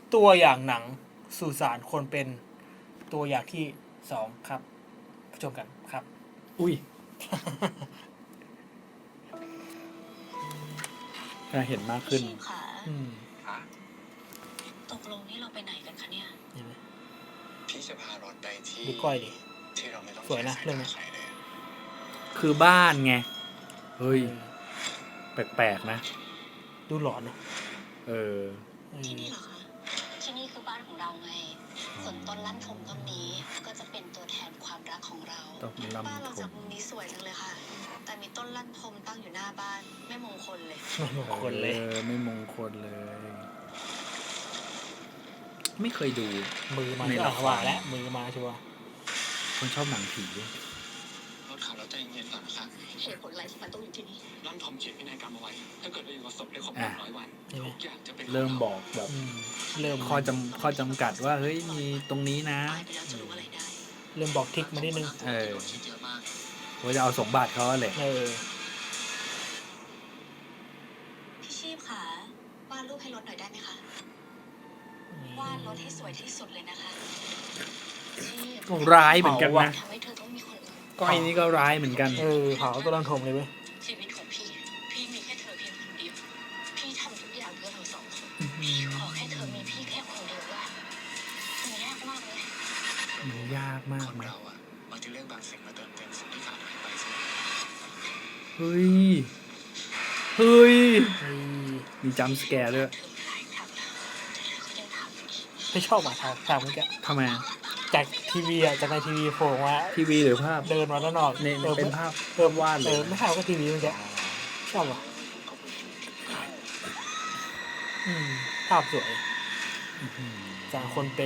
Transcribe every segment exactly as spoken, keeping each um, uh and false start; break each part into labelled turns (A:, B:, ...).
A: ตัวอย่างหนังสุสานคนเป็นตัวอย่างที่สองครับชมกันครับ
B: อุ้ยก็เห็นมากขึ้น
C: พี่ค่ะ
A: อืม
C: ตกลงนี่เราไปไหนกันคะเนี่ย
A: เห็นไหม
D: พี่จะพารถไปที่
A: ดูก้อยดิ
D: ที่เราไม่ต้อง
A: สวยนะเรื่องนี้
D: ใครเลย
B: คือบ้านไงเฮ้ยแปลกๆนะ
A: ดูหลอนนะ
B: เออ
A: เอ
C: ที่
A: อ
C: นี่เหรอคะ ที่นี่คือบ้านของเราไง ส่วนต้นลั่นทมต้นนี้ก็จะเป็นตัวแทนความรักของเรา
B: ต้นลั่นทม
C: บ้านเราจากมุมนี้สวยจังเลยค่ะ แต่มีต้นลั่นทมตั้งอยู่หน้าบ้านไม่มงคลเลย
A: ไม่มงคลเลย
B: ออไม่มงคลเลย ไม่เคยดู
A: มือมา
B: ใน
A: ที่
B: ละ
A: อ่ะ
B: คร
A: ว่าแล้วมือมาชัวร์
B: คนชอบหนังผี
D: รถขับแล้วใจเย็นๆก่อนนะครับ
C: เหตุผลอะไรที่มันต้องอยู่ที่นี่
D: ร่อนทอมเขียนพินัยกรรมเอาไว้ ถ้าเกิดเราอยู่กับศพได้ครบห
B: อ่ะ
D: นึ่งร้อยวัน
A: ใช่ไหม
D: ทุกอย่างจะเป็นของ
B: เริ่มบอกแบบ
A: อืมเริ่ม
B: ข้อจำข้อจำกัดว่าเฮ้ยมีตรงนี้นะ
C: ตายไปแล้วจะรู้อะไรได้
A: เริ่มบอกทิกมานิดนึง
B: เออ
D: โดนคิดเยอะมาก
B: ว่าจะเอาสมบัติเขาเลย
A: เออ
C: พี่ชีพค่ะวาดรูปให้รถหน่อยได้ไหมคะ วาดรถให้สวยที่สุดเลยนะคะชีพ
B: ก็ร้ายเหมือนกันนะ
C: ทำให้เธอต้องมีคนอื่น
B: ก้อยนี่ก็ร้ายเหมือนกัน
A: เออเผาตัวรังทมเลยเว้ย
C: ชีวิตของพี่ พี่มีแค่เธอเพียงคนเดียว พี่ทำทุกอย่างเพื่อเราสองคนพี่ขอแค่เธอมีพี่แค่คนเดียวว่ามันยากมากเลย
B: มันยากมา
D: ค
B: ก
D: น
B: ไหม
D: เราอะบางทีเรื่องบางสิ่งมาเติมเต็มสิ่งที่ขาดหายไปเสมอ
B: เฮ้ย เฮ้ย
A: เฮ้ย
B: มีจัมป์สแกร์ด้วย
C: เธอหลายครั้งแล้วแต่เธอก็ยังทำอีก
A: ไม่ชอบอ่ะฉากฉากเมื่อกี้
B: ทำไมอะ
A: จากทีวีอ่ะจากในทีวีโผล่มา
B: ทีวีหรือภาพ
A: เดินมาด้านนอก
B: ใน
A: ออ
B: เป็นภาพ
A: เออ
B: วาดเล
A: เอย อไม่ใช่ก็ทีวีเมื่อกี้ชอบอ่ะอืมภาพสวยจากคนเป็น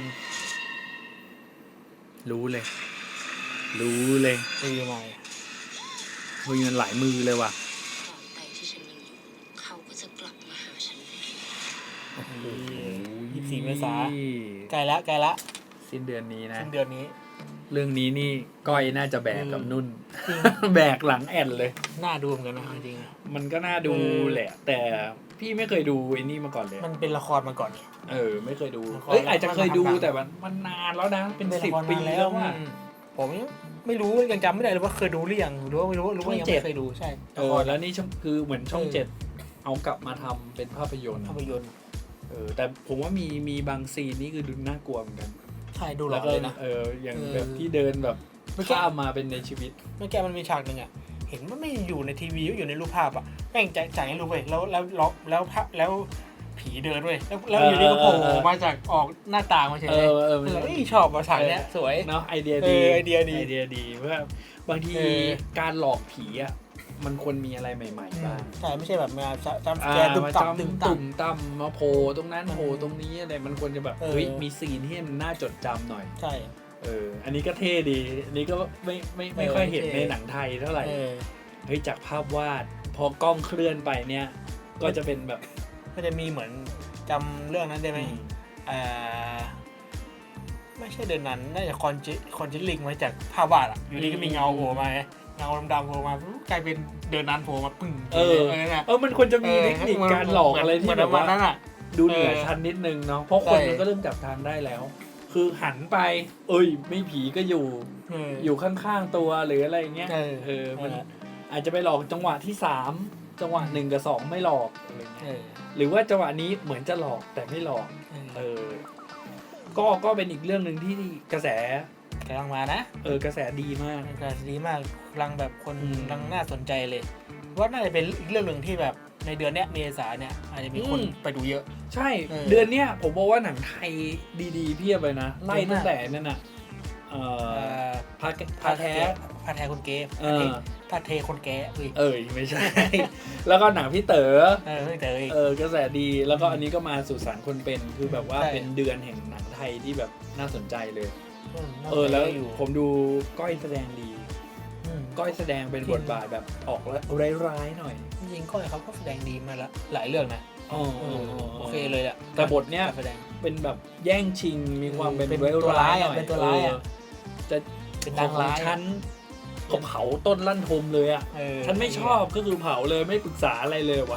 B: รู้เลย รู้เลย
A: ตีมา
B: เฮ้ยมันหลายมือเลยว่ะ
C: ตราบใดที่ฉันยังอยู่ เขาก็จะกลับมาหาฉันอยู่ดี
B: โอ้โห
A: ยี่สิบสี่เมษาใกล้ละใกล้ละ
B: สิ้นเดือนนี้นะ
A: สิ้นเดือนนี้
B: เรื่องนี้นี่ก้อยน่าจะแบกกับ
A: อืม
B: นุ่น
A: จริง
B: แบกหลังแอนเลย
A: น่าดูเหมือนกันนะจริง
B: มันก็น่าดู
A: เออ
B: แหละ แต่พี่ไม่เคยดูไอ้นี่มาก่อนเลย
A: ๆมันเป็นละครมาก่อน
B: เออ ไม่เคยดู
A: ละคร
B: เอ้ยอาจจะเคยดู
A: ละคร
B: แต่มันมันนานแล้วนะ เป็น
A: เป็น
B: สิ
A: ละ
B: บ
A: คร
B: ปี
A: มา
B: แล้วว่า
A: อืมผมยังไม่รู้ยังจำไม่ได้เลยว่าเคยดูหรือยังหรือว่าไม่รู้รู้ว่ายัง
B: ช่องเจ็ด
A: ไม่เคยดูใช่
B: เออแล้วนี่ช่องคือเหมือนช่องเจ็ดเอากลับมาทำเป็นภาพยนตร์
A: ภาพยนตร์
B: เออแต่ผมว่ามีมีบางซีนนี่คือดูน่ากลัวเหมือนกัน
A: ใช่ดูหล
B: แล้
A: อ
B: วน ก็
A: เลยนะ
B: เอออย่าง
A: เออ
B: แบบที่เดินแบบ
A: เมื่อกี้
B: ข้ามมาเป็นในชีวิต
A: เมื่อกี้มันมีฉากหนึ่งอ่ะเห็นว่าไม่อยู่ในทีวีก็อยู่ในรูปภาพอ่ะแม่งจะจ่ายให้รู้เว้ยแล้วแล้วแล้วแล้วภาพแล้วผีเดินเว้ยแล้วแล้วอยู่ดีก็โผล่มาจากออกหน้าต่างมาเฉย
B: เอ
A: เลย
B: อเออ
A: เอ
B: มัน
A: อเอ้ยชอบมาฉากเนี้ยสวย
B: เนาะไอเดีย
A: เอ
B: ดี
A: อไอเดียดี
B: ไอเดียดีเพราะว่าบางที
A: เออ
B: การหลอกผีอ่ะมันควรมีอะไรใหม่ๆบ้าง
A: ใช่ไม่ใช่แบบมาจำส
B: อ่า
A: แกนตึม
B: มา
A: ตับ
B: จำ
A: ตึ
B: ตุ่
A: ม
B: ม
A: ตับ
B: ตุ่มต่ำมาโผล่ตรงนั้น
A: มัน
B: โผล่ตรงนี้อะไรมันควรจะแบบ
A: เออ
B: เฮ้ยมีซีนที่มันน่าจดจำหน่อย
A: ใช่
B: เอออันนี้ก็เท่ดีอันนี้ก็ไม่ไม่ไม่
A: เออ
B: ค่อยเห็น
A: เท่
B: ในหนังไทยเท่าไหร่
A: เออ
B: เฮ้ยจากภาพวาดพอกล้องเคลื่อนไปเนี่ยก็จะเป็นแบบ
A: ก็จะมีเหมือนจำเรื่องนั้นได้ไหม
B: อืม
A: อ่าไม่ใช่เดือนนั้นน่าจะคอนจิคอนจิลิงมาจากภาพวาดอ่ะอยู่ดีก็มีเงาโผล่มาไงเงาดำๆโผล่มาปุ๊บกลายเป็นเดือนนั้นโผล่มาปึ้ง
B: เออ
A: เนี่ย
B: เออมันควรจะมีเทคนิคการหลอกอะไรที่
A: เหมือน
B: แบบ
A: ประมาณ
B: ว่า
A: นั้นอ่ะ
B: ดูเหนือชั้นนิดนึงเนาะเพราะคน
A: ใช่
B: มันก็เริ่มจับทางได้แล้ว คือหันไป เอ้ย ไม่ผีก็อยู่
A: เออ
B: อยู่ข้างๆตัวหรืออะไรอย่างเงี้ย
A: เออ
B: เออมัน
A: เออ
B: อาจจะไปหลอกจังหวะที่สามจังหวะหนึ่งกับสองไม่หลอกอะไร
A: เอ
B: เงี้ย
A: อ
B: หรือว่าจังหวะนี้เหมือนจะหลอกแต่ไม่หลอก
A: เออ
B: เออ ก็ก็เป็นอีกเรื่องหนึ่งที่กระแส
A: กำลังมานะ
B: เออกระแสดีมาก
A: กำลังดีมากกำลังแบบคน
B: อืม
A: กำลังน่าสนใจเลยว่าน่าจะเป็นอีกเรื่องหนึ่งที่แบบในเดือนเนี้ยเมษาเนี่ยอาจจะมีคน
B: อืม
A: ไปดูเยอะ
B: ใช่
A: เออ
B: เดือนเนี้ยผมบอกว่าหนังไทยดีๆเพียบเลยนะ ไล่
A: เยอะมาก
B: ตั้งแต่นั่นน่ะเอ่
A: เอ่
B: อ
A: อ
B: พาพาแท้
A: พาแท้คนเก๋
B: เออ
A: พาเทคนแก่เอ้ย
B: เอ้ยไม่ใช่ แล้วก็หนังพี่เต๋อ
A: เออไม่แต่เอ้ย
B: เออกระแสดีแล้วก็อันนี้ก็มาสู่สารคนเป็นคือแบบว่า
A: ใช่
B: เป็นเดือนแห่งหนังไทยที่แบบน่าสนใจเลย
A: ม
B: เออแล้ว
A: อยู่
B: ผมดูก้อยแสดงดี
A: อืม
B: ก้อยแสดงเป็น
A: จริง
B: บทบาทแบบออกแล้วร้ายๆหน่อย
A: จริงๆก้อยเขาก็แสดงดีมาละหลายเรื่องนะ
B: อ๋อ
A: เออโอเคเลยอ่ะ
B: แต่บทเนี้ย
A: การแสดง
B: เป็นแบบแย่งชิงมีความเป็น
A: เป็น
B: ร้าย
A: ตัวร้าย
B: ๆห
A: อะ
B: น่อย
A: เป็นตัวร้ายอะ
B: เออจะ
A: เป็นนางร้าย
B: ของฉันก็เผาต้นลั่นทมเลยอ่ะ
A: เออ
B: ฉันไม่ชอบก็คือเผาเลยไม่ปรึกษาอะไรเลยวะ
A: โค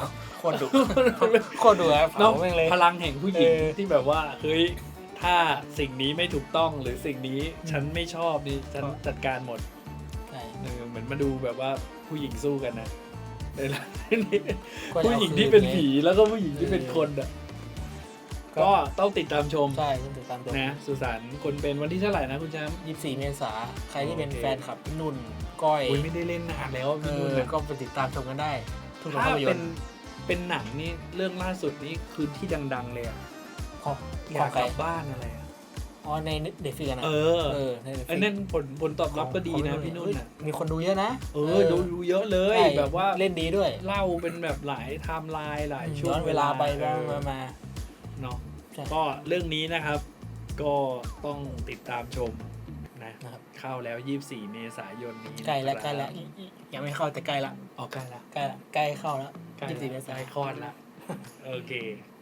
A: ตรดุโคตรดุอะ
B: เนาะ
A: เผาแม่งเลย
B: พลังแห่งผู้หญิง
A: เออ
B: ที่แบบว่าเฮ้ยถ้าสิ่งนี้ไม่ถูกต้องหรือสิ่งนี้ฉันไม่ชอบนี่ฉันจัดการหมด
A: ใช่
B: เออเหมือนมาดูแบบว่าผู้หญิงสู้กันนะในเรื่องนี้
A: ก็จะ
B: ผู้
A: เอา
B: หญิง
A: คืน
B: ที่เป็น
A: ไง
B: ผีแล้วก็ผู้หญิงที่เป็นคนอ่ะ
A: ก็
B: ก็ต้องติดตามชม
A: ใช่ต้องติดตามตัว
B: นะสุสานคนเป็นวันที่เท่าไหร่นะคุณแชมป์
A: ยี่สิบสี่เมษาใครที่เป็น
B: โอเค
A: แฟนคลับพี่นุ่นก้อย
B: โอ้ยไม่ได้เล่นนานแล้ว
A: เอ
B: พี่นุ่น
A: อ
B: นะ
A: ก็ไปติดตามชมกันได้ ทุกโรง
B: ถ้า
A: ภาพย
B: เป็น น
A: ตร์
B: เป็นหนังนี่เรื่องล่าสุดนี้คือที่ดัง ๆ เลยอะ
A: ของ
B: อยาก
A: ใค
B: ก
A: ร
B: ลับบ้านอะไรอะ
A: อ๋อในเด็กฟิกนะ
B: เออ
A: เออใน Netflix
B: ไอ้นั่นผลผลตอบรับก็ดีนะ
A: ของ
B: พี่นุ่น
A: เฮ้ย
B: อ่ะ
A: มีคนดูเยอะนะ
B: เออดูดูเยอะเลย
A: ใช่
B: แบบว่า
A: เล่นดีด้วย
B: เล่าเป็นแบบหลายไทม์ไลน์หลายช่ว
A: ย้
B: ง
A: อนเวลาไป
B: เอ
A: มา
B: อ
A: มามา
B: เนาะ
A: ใช่
B: ก็เรื่องนี้นะครับ ก็ต้องติดตามชมนะ
A: นะครับ
B: เข้าแล้วยี่สิบสี่เมษายนนี้
A: ใกล้แล้ว
B: นะครับ
A: ใกล้แล้วอีกอีกยังไม่เข้าแต่ใกล้ละ
B: ออกใกล้ละ
A: ใกล้ละใกล้เข้าแล้ว
B: ใกล้
A: ยี่สิบสี่เม
B: ละ
A: ษา
B: ใกล้คลอดละโอเค